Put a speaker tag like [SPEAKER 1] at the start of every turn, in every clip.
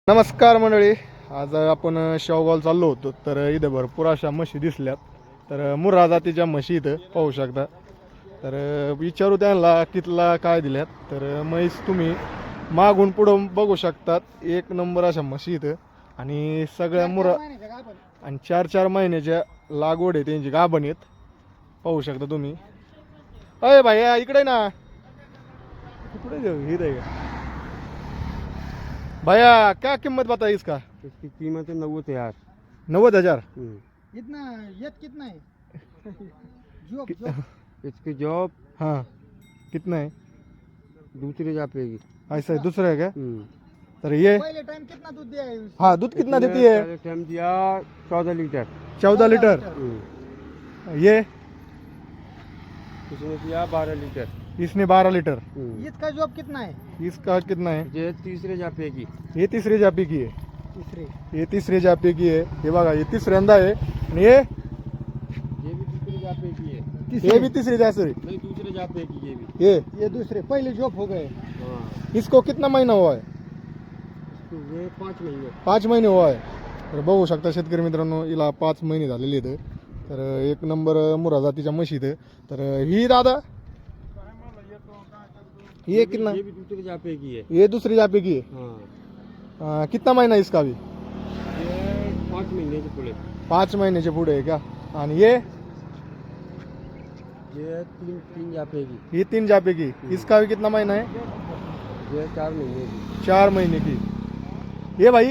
[SPEAKER 1] नमस्कार मंडळी, आज आपण शेवगाव चाललो होतो. तर इथं भरपूर अशा म्हशी दिसल्यात. तर मुर्रा जातीच्या म्हशी इथं पाहू शकता. तर विचारू त्यांना कितला काय दिल्यात. तर म्हैस तुम्ही मागून पुढं बघू शकतात. एक नंबर अशा म्हशी इथं आणि सगळ्या मुर्रा आणि 4-4 महिन्याच्या लागवड आहे त्यांची, गाभण आहेत पाहू शकता तुम्ही. अय भाई इकडे ना, इकडे जाऊ इथं का भैया, क्या कीमत बताई इसका?
[SPEAKER 2] इसकी कीमत है 90,000।
[SPEAKER 1] 90,000।
[SPEAKER 3] इतना ये कितना है? जॉब
[SPEAKER 2] इसकी जॉब
[SPEAKER 1] हाँ, कितना है?
[SPEAKER 2] दूसरी जापेगी।
[SPEAKER 1] ऐसा है, दूसरा है क्या? तर ये
[SPEAKER 3] पहले टाइम कितना दूध दिया है?
[SPEAKER 1] हाँ, दूध कितना देती है?
[SPEAKER 2] पहले टाइम दिया 14 लीटर।
[SPEAKER 1] 14 लीटर। ये
[SPEAKER 2] इसने दिया 12 लीटर।
[SPEAKER 1] इसने 12 लीटर।
[SPEAKER 3] इसका जॉब कितना है?
[SPEAKER 1] इसका कितना है?
[SPEAKER 2] ये तीसरे जापेगी।
[SPEAKER 1] ये तीसरी जापी की है।
[SPEAKER 3] तीसरे।
[SPEAKER 1] ये तीसरी जापी की है. हे बघा, ये तिसऱ्यांदा आहे. आणि
[SPEAKER 2] ये भी तीसरे जापेगी है।
[SPEAKER 1] ये भी तीसरी जापी.
[SPEAKER 2] नहीं, दूसरे जापेगी ये भी।
[SPEAKER 3] ये दूसरे पहले जॉब हो गए।
[SPEAKER 2] हाँ,
[SPEAKER 1] इसको कितना महिना हुआ है?
[SPEAKER 2] इसको ये 5 महीने।
[SPEAKER 1] 5 महिने हुआ आहे. तर बघू शकता शेतकरी मित्रांनो, हिला 5 महिने झालेले आहेत. तर एक नंबर मुर्रा जातीच्या म्हशी आहेत. तर ही दादा ये कितना?
[SPEAKER 2] ये भी दूसरे जापेगी है।
[SPEAKER 1] ये दूसरी जापी की है.
[SPEAKER 2] हाँ,
[SPEAKER 1] कितना महिना इसका भी?
[SPEAKER 2] ये 5 महीने के पुले।
[SPEAKER 1] 5 महिन्याचे पुढे आहे का? आणि ये
[SPEAKER 2] तीन जापेगी।
[SPEAKER 1] ये 3 जापे की. इसका भी कितना महीना है?
[SPEAKER 2] ये 4 महीने की।
[SPEAKER 1] 4 महीने की. ये भाई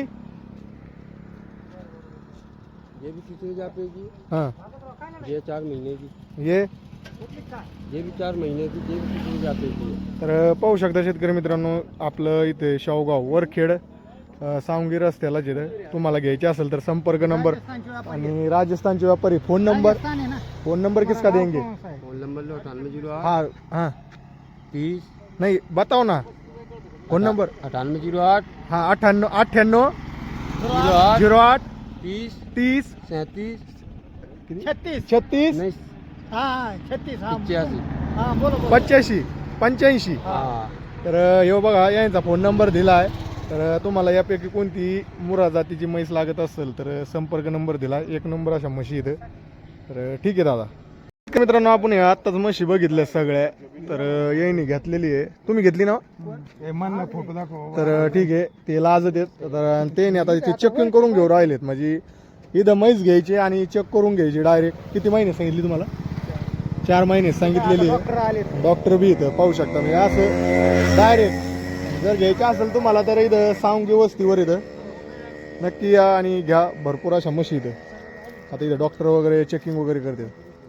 [SPEAKER 2] ये भी तीसरे जापेगी।
[SPEAKER 1] हाँ,
[SPEAKER 2] ये 4 महीने की।
[SPEAKER 1] ये
[SPEAKER 2] भी 4 महीने की। ये भी तीसरे जापेगी है।
[SPEAKER 1] तर पाहू शकता शेतकरी मित्रांनो, आपलं इथे शेवगाव वरखेड सावंगी रस्त्याला जिथं तुम्हाला घ्यायचे असेल तर संपर्क नंबर आणि राजस्थानचे व्यापारी फोन नंबर.
[SPEAKER 3] राजस्थान है ना?
[SPEAKER 1] फोन नंबर किसका देंगे?
[SPEAKER 3] कौन सा है?
[SPEAKER 2] फोन नंबर लो 9808
[SPEAKER 1] हाँ हाँ
[SPEAKER 2] 30
[SPEAKER 1] नहीं बताओ ना फोन नंबर.
[SPEAKER 2] 9808
[SPEAKER 1] हाँ 98
[SPEAKER 2] 08
[SPEAKER 1] 08
[SPEAKER 2] 30
[SPEAKER 1] 30
[SPEAKER 2] 37
[SPEAKER 3] 36।
[SPEAKER 1] 36
[SPEAKER 2] नहीं
[SPEAKER 3] हाँ 36। हाँ
[SPEAKER 2] 85।
[SPEAKER 3] हाँ बोलो बोलो।
[SPEAKER 1] 85 85.
[SPEAKER 2] हाँ,
[SPEAKER 1] तर हे बघा, यांचा फोन नंबर दिला आहे. तर तुम्हाला यापैकी कोणती मुर्रा जातीची म्हैस लागत असेल तर संपर्क नंबर दिला. एक नंबर अशा म्हशी इथं. तर ठीक आहे दादा. मित्रांनो, आपण हे आत्ताच म्हशी बघितल्या सगळ्या. तर यांनी घेतलेली आहे. तुम्ही घेतली ना?
[SPEAKER 3] मन फोटो दाखव.
[SPEAKER 1] तर ठीक आहे, ते लाजत आहेत. तर ते आता ते चेकिंग करून घेऊ राहिलेत. म्हणजे इथं म्हैस घ्यायची आणि चेक करून घ्यायची डायरेक्ट. किती महिने सांगितली तुम्हाला? 4 महिने सांगितलेली आहे.
[SPEAKER 3] डॉक्टर आले.
[SPEAKER 1] डॉक्टर बी इथं पाहू शकता. म्हणजे असं डायरेक्ट जर घ्यायचं असेल तुम्हाला तर इथं सावंगी वस्तीवर इथं नक्की या आणि घ्या. भरपूर अशा म्हशी इथं. आता इथं डॉक्टर वगैरे चेकिंग वगैरे करते.